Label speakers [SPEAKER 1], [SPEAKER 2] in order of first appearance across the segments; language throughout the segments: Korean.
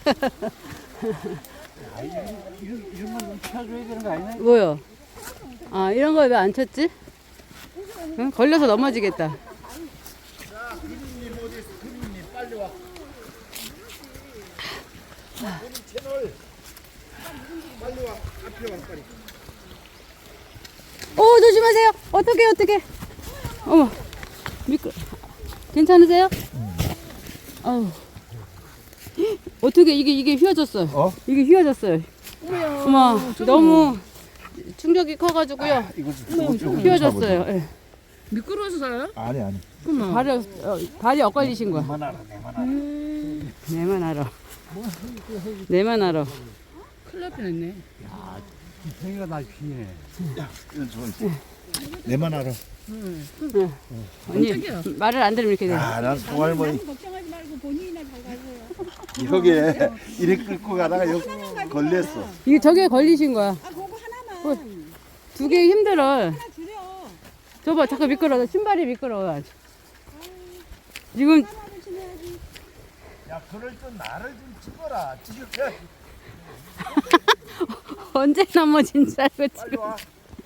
[SPEAKER 1] 이런 건 쳐줘야 되는 거 아니야?
[SPEAKER 2] 뭐요? 아, 이런 거 왜 안 쳤지? 응? 걸려서 넘어지겠다.
[SPEAKER 3] 자, 그림님 어디 있어? 그림님 빨리 와. 그림 채널 빨리 와. 앞에 와 빨리.
[SPEAKER 2] 오, 조심하세요. 어떡해. 어머, 괜찮으세요? 어우. 어떻게 이게 휘어졌어요.
[SPEAKER 3] 어?
[SPEAKER 2] 이게 휘어졌어요. 어머, 너무 충격이 커가지고요.
[SPEAKER 3] 이거
[SPEAKER 2] 휘어졌어요. 예.
[SPEAKER 4] 미끄러워서 살아요?
[SPEAKER 3] 아니.
[SPEAKER 2] 발이 엇갈리신 거야.
[SPEAKER 3] 내만 알아, 내만 알아.
[SPEAKER 2] 내만 알아.
[SPEAKER 4] 큰일 날 뻔했네.
[SPEAKER 1] 생이가 날 피네.
[SPEAKER 3] 이건 좋은. 내만 알아.
[SPEAKER 2] 언니, 말을 안 들으면 이렇게 돼.
[SPEAKER 3] 아, 난 송할머니
[SPEAKER 5] 걱정하지 말고 본인이나 잘 가세요.
[SPEAKER 3] 여기에 이래 끌고 가다가 여기 걸렸어.
[SPEAKER 2] 이게 저게 걸리신 거야.
[SPEAKER 5] 아, 그거 하나만.
[SPEAKER 2] 두 개 힘들어.
[SPEAKER 5] 하나 줄여.
[SPEAKER 2] 저봐, 잠깐 미끄러워. 신발이 미끄러워. 아주. 지금
[SPEAKER 5] 하나만 줄여야지.
[SPEAKER 3] 야, 그럴 땐 나를 좀 찍어라. 찍을게.
[SPEAKER 2] 언제 넘어진 줄 알고
[SPEAKER 3] 빨리
[SPEAKER 2] 지금.
[SPEAKER 3] 와.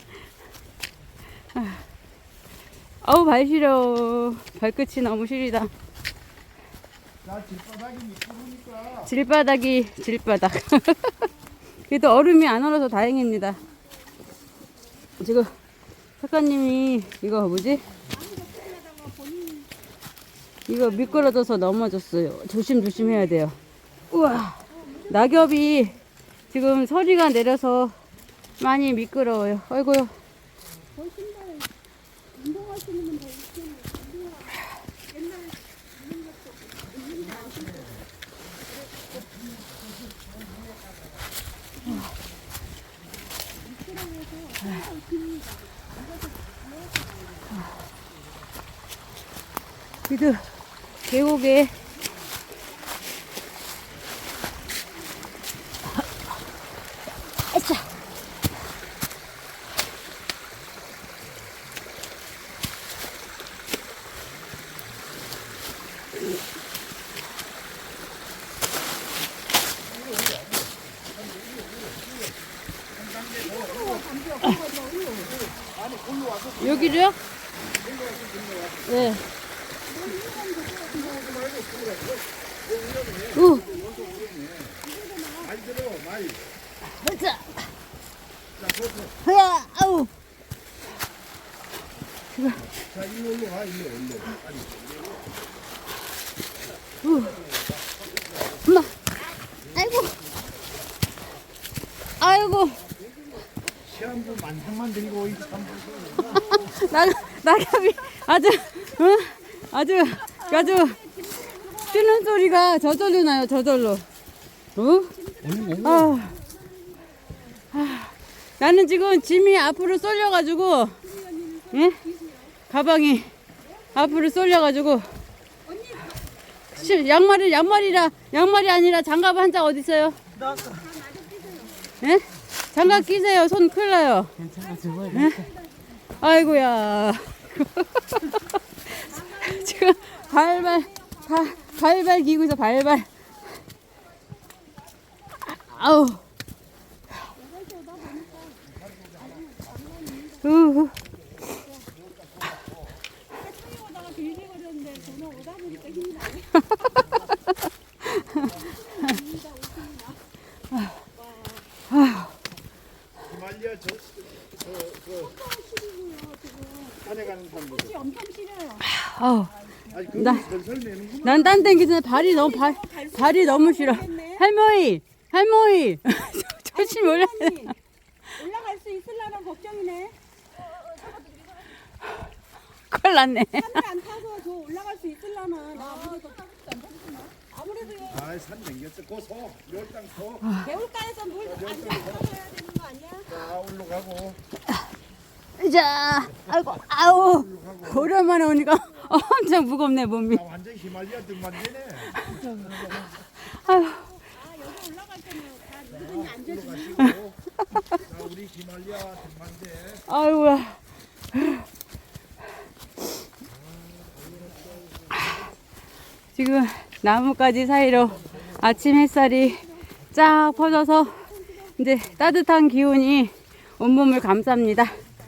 [SPEAKER 2] 아우, 발 시려. 발끝이 너무 시리다.
[SPEAKER 3] 나 길바닥이 미끄러우니까.
[SPEAKER 2] 질바닥. 그래도 얼음이 안 얼어서 다행입니다. 지금 작가님이 이거 뭐지? 이거 미끄러져서 넘어졌어요. 조심 해야 돼요. 우와, 낙엽이 지금 서리가 내려서 많이 미끄러워요. 아이고요. 그래도 계곡에 아차. 여기로요? 네. 오. 자. 허야, 아우.
[SPEAKER 3] 자, 이리로 와, 이리로.
[SPEAKER 2] 엄마. 아이고.
[SPEAKER 3] 시험도 만상만 들고 이 참.
[SPEAKER 2] 낙엽이 아주, 응? 아주 뛰는 소리가 저절로 나요, 저절로. 나는 지금 짐이 앞으로 쏠려가지고, 예? 가방이 앞으로 쏠려가지고, 양말이 아니라 장갑 한 짝 어디 있어요? 예? 장갑 끼세요. 손 큰일 나요. 예? 아이고야. 지금 발발 기고 있어, 발발. 아우. 우후.
[SPEAKER 5] 오다가 길게 걸렸는데 저는 오다 보니까 힘이 나네.
[SPEAKER 3] 히말리아 산에 가는 사람들.
[SPEAKER 5] 엄청 싫어요.
[SPEAKER 2] 아우.
[SPEAKER 3] 아니, 그거 설설 내는구만.
[SPEAKER 2] 난 딴 땡기 전에 발이 너무 싫어. 할머니. 조심 올라.
[SPEAKER 5] 올라갈 수 있으려나 걱정이네.
[SPEAKER 2] 큰일 났네.
[SPEAKER 5] 산을 안 타서 저 올라갈 수 있으려나. 나 아무래도
[SPEAKER 3] 아, 산 냉겼어. 그 소, 멸당 소.
[SPEAKER 5] 개울가에서 물 안전히 들어가야 되는 거 아니야?
[SPEAKER 3] 자, 올라가고.
[SPEAKER 2] 자, 아우. 오랜만에 오니까 엄청 무겁네, 몸이.
[SPEAKER 3] 나 완전 히말리아 등반대네.
[SPEAKER 2] 아유.
[SPEAKER 5] 여기 올라갈 때는 다 누구든지 앉아주고.
[SPEAKER 3] 올라가시고. 자, 우리 히말리아 등반대.
[SPEAKER 2] 아이고야. 지금 나뭇가지 사이로 아침 햇살이 쫙 퍼져서 이제 따뜻한 기운이 온몸을 감쌉니다.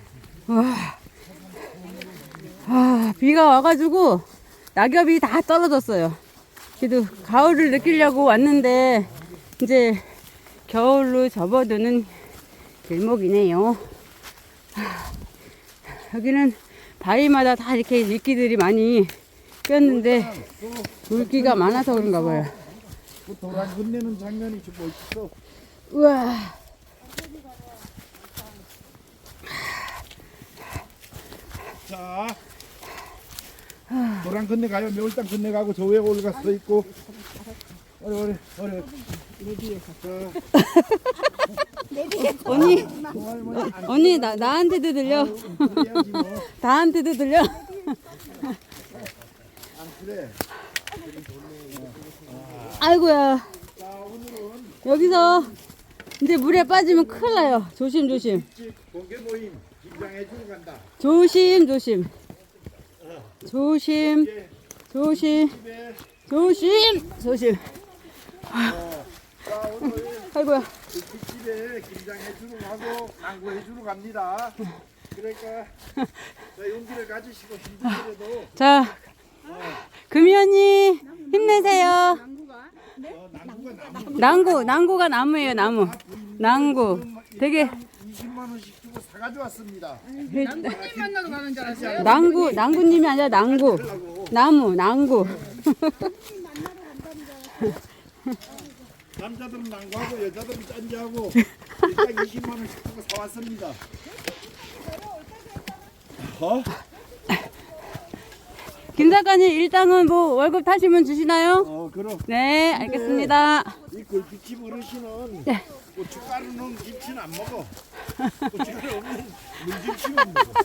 [SPEAKER 2] 비가 와가지고 낙엽이 다 떨어졌어요. 그래도 가을을 느끼려고 왔는데 이제 겨울로 접어드는 길목이네요. 여기는 바위마다 다 이렇게 이끼들이 많이 꼈는데 물기가 많아서 그런가 봐요.
[SPEAKER 3] 그 도랑 건네는 장면이 좀 멋있어.
[SPEAKER 2] 우와.
[SPEAKER 3] 자, 도랑 건네가요. 매울당 건네가고 저 위에 올라가 서 있고. 어려.
[SPEAKER 2] 언니 나한테도 들려.
[SPEAKER 3] 그래야지 뭐.
[SPEAKER 2] 나한테도 들려.
[SPEAKER 3] 안 그래.
[SPEAKER 2] 아이고야. 여기서 이제 물에 빠지면 큰일 나요. 조심조심.
[SPEAKER 3] 공개 모임 긴장해 주러 간다.
[SPEAKER 2] 조심.
[SPEAKER 3] 자, 오늘
[SPEAKER 2] 아이고야.
[SPEAKER 3] 집에 김장해 주러 가고 낭구해 주러 갑니다. 그러니까 자, 용기를 가지시고 힘들더라도
[SPEAKER 2] 자, 금이 언니 힘내세요. 난구가 나무예요, 나무. 난구. 되게
[SPEAKER 3] 20만 원씩 주고 사가져 왔습니다.
[SPEAKER 4] 남편님 만나러 가는 줄 알았어요?
[SPEAKER 2] 난구님이 아니라 난구. 나무, 난구.
[SPEAKER 3] 남자들은 낭구하고 여자들은 짠지하고 일단 20만 원씩 주고 사왔습니다.
[SPEAKER 2] 김 작가님 일당은 뭐 월급 타시면 주시나요?
[SPEAKER 3] 그럼
[SPEAKER 2] 네, 알겠습니다.
[SPEAKER 3] 이 골피집 어르신은
[SPEAKER 2] 네.
[SPEAKER 3] 고춧가루 넣은 김치는 안 먹어. 고춧가루 없는 물김치만 먹어.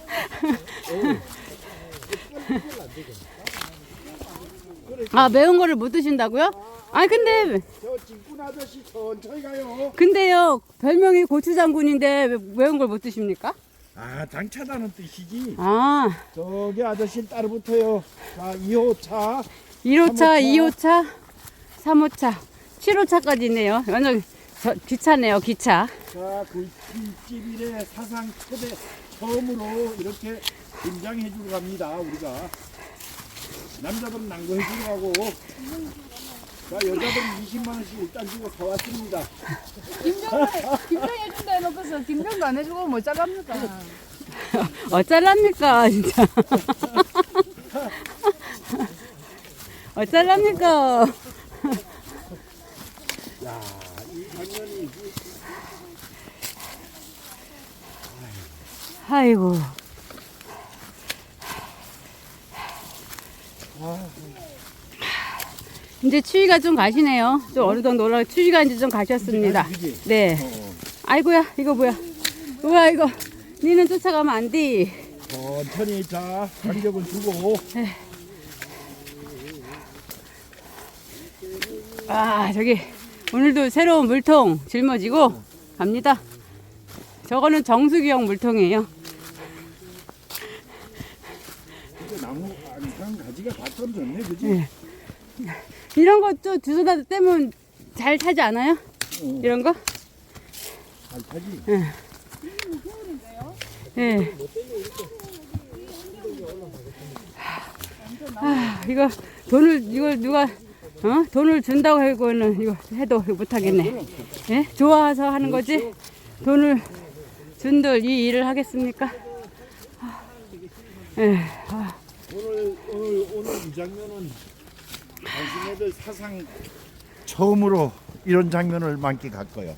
[SPEAKER 2] 아, 매운 거를 못 드신다고요? 아, 근데
[SPEAKER 3] 저 찐꾼 아저씨 천천히 가요.
[SPEAKER 2] 근데요, 별명이 고추장군인데 왜 매운 걸 못 드십니까?
[SPEAKER 3] 아, 장차다는 뜻이지.
[SPEAKER 2] 아,
[SPEAKER 3] 저기 아저씨 따로 붙어요. 자, 2호차.
[SPEAKER 2] 1호차, 2호차, 3호차, 7호차까지 있네요. 완전 기차네요, 기차.
[SPEAKER 3] 자, 굴집이래 사상 초대 처음으로 이렇게 김장해 주러 갑니다. 우리가 남자들은 낭구해 주러 가고, 자, 여자들은 20만 원씩 일단 주고 사왔습니다.
[SPEAKER 4] 김장 해준다 해놓고서 김장도 안 해주고 뭐 잘랍니까?
[SPEAKER 2] 어쩔랍니까, 진짜. 어쩔랍니까.
[SPEAKER 3] 야, 이 장면이
[SPEAKER 2] 아이고. 이제 추위가 좀 가시네요. 좀 어느 정도 올라 추위가 이제 좀 가셨습니다. 네. 아이고야, 이거 뭐야? 우와, 이거 니는 쫓아가면 안 돼.
[SPEAKER 3] 천천히 자 간격을 주고.
[SPEAKER 2] 아, 저기 오늘도 새로운 물통 짊어지고 갑니다. 저거는 정수기형 물통이에요.
[SPEAKER 3] 이제 나무 한 가지가 다 떨어졌네, 그지?
[SPEAKER 2] 네. 이런 것도 주워다 떼면 잘 타지 않아요? 이런 거?
[SPEAKER 3] 잘 타지.
[SPEAKER 2] 네. 아, 이거 이걸 누가 돈을 준다고 하고는 이거 해도 못 하겠네. 예? 좋아서 하는 거지? 돈을 준들 이 일을 하겠습니까? 예.
[SPEAKER 3] 오늘 이 장면은 당신네들 사상 처음으로 이런 장면을 만끽할 거예요.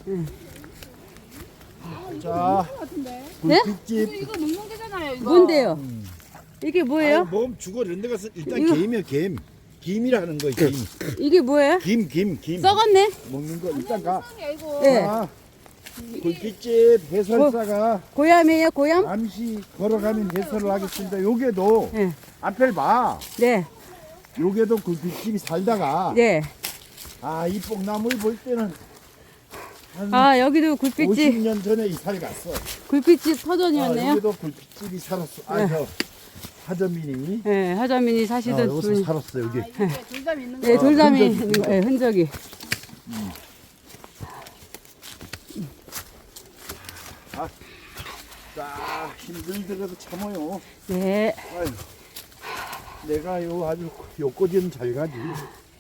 [SPEAKER 3] 자,
[SPEAKER 2] 네?
[SPEAKER 3] 굴집집.
[SPEAKER 4] 이거 먹는 게잖아요, 이거.
[SPEAKER 2] 뭔데요? 이게 뭐예요?
[SPEAKER 3] 몸 죽어 이런 데 가서 일단
[SPEAKER 2] 이거-
[SPEAKER 3] 김이야, 김. 김이라는 거야, 김.
[SPEAKER 2] 이게 뭐예요?
[SPEAKER 3] 김.
[SPEAKER 2] 썩었네?
[SPEAKER 3] 먹는 거 일단 가.
[SPEAKER 4] 이거.
[SPEAKER 2] 네.
[SPEAKER 3] 자, 굴집집 해설사가
[SPEAKER 2] 고얌이에요, 고얌?
[SPEAKER 3] 잠시 걸어가면 해설을 하겠습니다. 요게도
[SPEAKER 2] 네.
[SPEAKER 3] 앞을 봐.
[SPEAKER 2] 네.
[SPEAKER 3] 요게도 굴집집이 살다가
[SPEAKER 2] 네.
[SPEAKER 3] 이 뽕나무를 볼 때는 한
[SPEAKER 2] 아, 여기도 굴빛집,
[SPEAKER 3] 50년 전에 이사를 갔어.
[SPEAKER 2] 굴빛집 터전이었네요.
[SPEAKER 3] 여기도 굴집집이 살았어. 저 하점민이
[SPEAKER 2] 네, 하자민이 사시던
[SPEAKER 3] 여기서
[SPEAKER 2] 분.
[SPEAKER 3] 살았어 여기.
[SPEAKER 4] 이게 둘다 있는 거.
[SPEAKER 2] 네, 돌담이
[SPEAKER 3] 흔적이
[SPEAKER 2] 있는 거, 네, 흔적이.
[SPEAKER 3] 딱 힘들더라도 참아요.
[SPEAKER 2] 네.
[SPEAKER 3] 아유, 내가 요 아주 요꼬지는 잘 가지.